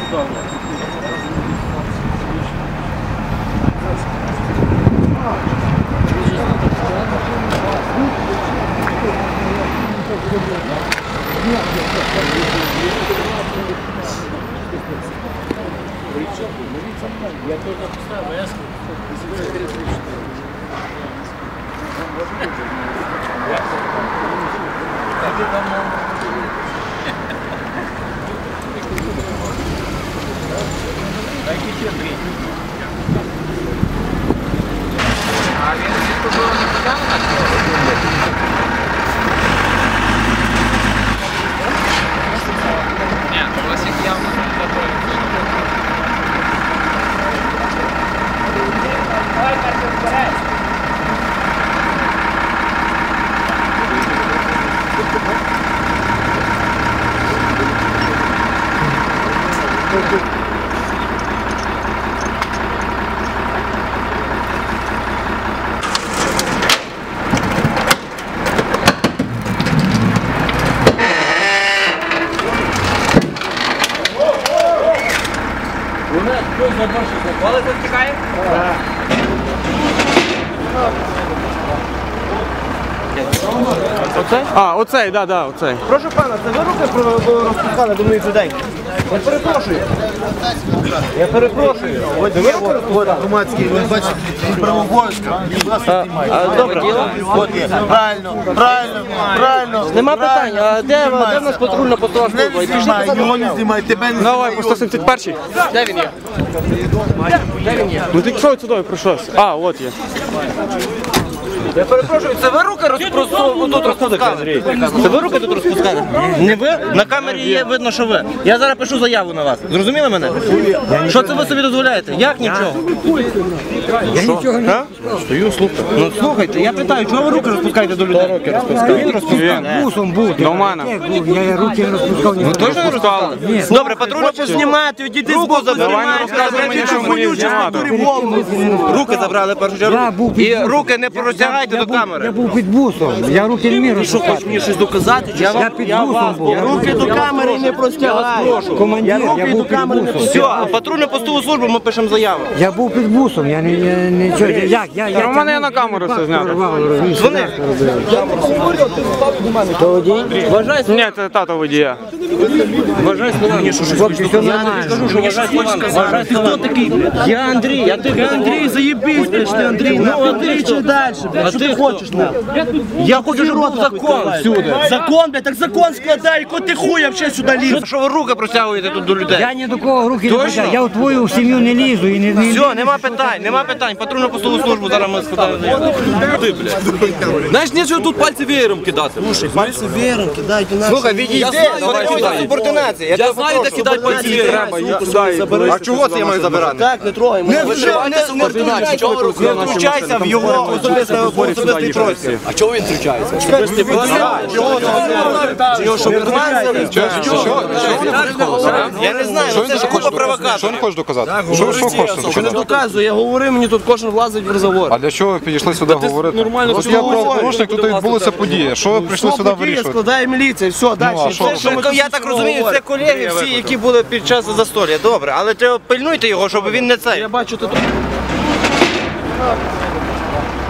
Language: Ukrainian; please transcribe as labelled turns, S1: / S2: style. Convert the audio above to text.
S1: Я только поставил, я а він було не подав на Ні, Васик явно не готовий. Давай, Катя, вперед! Хтось заборщик, коли тут тікає? Так.
S2: Оцей? А, оцей, да, оцей.
S3: Прошу пана, це ви руки розпускали до моїх людей? Я перепрошую. Я перепрошую. Ви руки розпускали?
S4: Громадський, ви бачите, правообов'язка.
S3: Добре. Правильно. Нема питань. А де в нас патрульна постова служба?
S4: Його не знімай, тебе не
S2: Давай, по 171-й.
S3: Де він є? Де він є?
S2: Ну ти що сюди прийшовся? А, от є.
S3: Я перепрошую, це ви руки тут розпускали? Це ви руки тут розпускали? Не ви? На камері є видно, що ви. Я зараз пишу заяву на вас. Зрозуміли мене? Що це ви собі дозволяєте? Як нічого?
S4: Я нічого не
S3: Стою, слухаю. Ну слухайте, я питаю, чого ви руки розпускаєте до людей? Руки розпускав. Він розпускав.
S4: бусом був.
S2: До мене.
S4: Я руки не розпускав.
S3: Ви теж не розпускали? Добре, патрульно познімати, відійди з боку,
S2: Давай не розказуй мені, що мені знімати.
S3: Руки забрали першу чергу. І руки не простягайте до камери.
S4: Я був під бусом. Я руки не міг розпускати.
S3: Хочеш мені щось доказати?
S4: Я під бусом був.
S3: Руки до камери не простягай.
S4: Командир, я був під бусом.
S3: Все, а патрульну постову службу ми пишемо заяву.
S4: Я був під бусом. Я нічого. Як?
S2: У мене на камеру все знято.
S3: Дзвони.
S4: То водій?
S2: Ні, це тато водія.
S3: Вважай словами.
S4: Хлопці, все нормально.
S3: Скажу, що вважай словами. Ти хто такий? Я Андрій. Ти Андрій, заєбись, ти Андрій. Ну, Андрій, чи далі? А ти хочеш? Я хочу, щоб був закон всюди. Закон, блядь, так закон складай, яко ти хуй взагалі сюди ліз. Що ви руки протягуєте тут до людей?
S4: Я ні до кого руки не притягую. Я у твою сім'ю не лізу і не...
S3: Все, нема питань. Патрульну постову службу зараз ми складаємо. Ти, блядь.
S5: Знаєш, нічого тут пальці веєром кидати.
S3: Пальці веером кидайте наші. Слухай, відійди, це субординація.
S5: Я знаю, де кидати пальці веєром.
S3: А чого це я маю забирати? Так, не трогай. Не втручайся в його особистий простір.
S5: А чого він втручається?
S3: Я не знаю, це ж купа провокаторів.
S6: Що не хочеш доказати?
S5: Що не доказує, я говорю, мені тут кожен влазить в розговор.
S6: А для чого ви підійшли сюди говорити?
S5: нормально
S6: Тут є правопорушник, тут відбулися події. Що ви прийшли сюди вирішувати?
S3: Складає міліція, все, далі. Я так розумію, це колеги всі, які були під час застолля. Добре, але треба пильнуйте його, щоб він не цей.
S5: Я бачу, ти тут.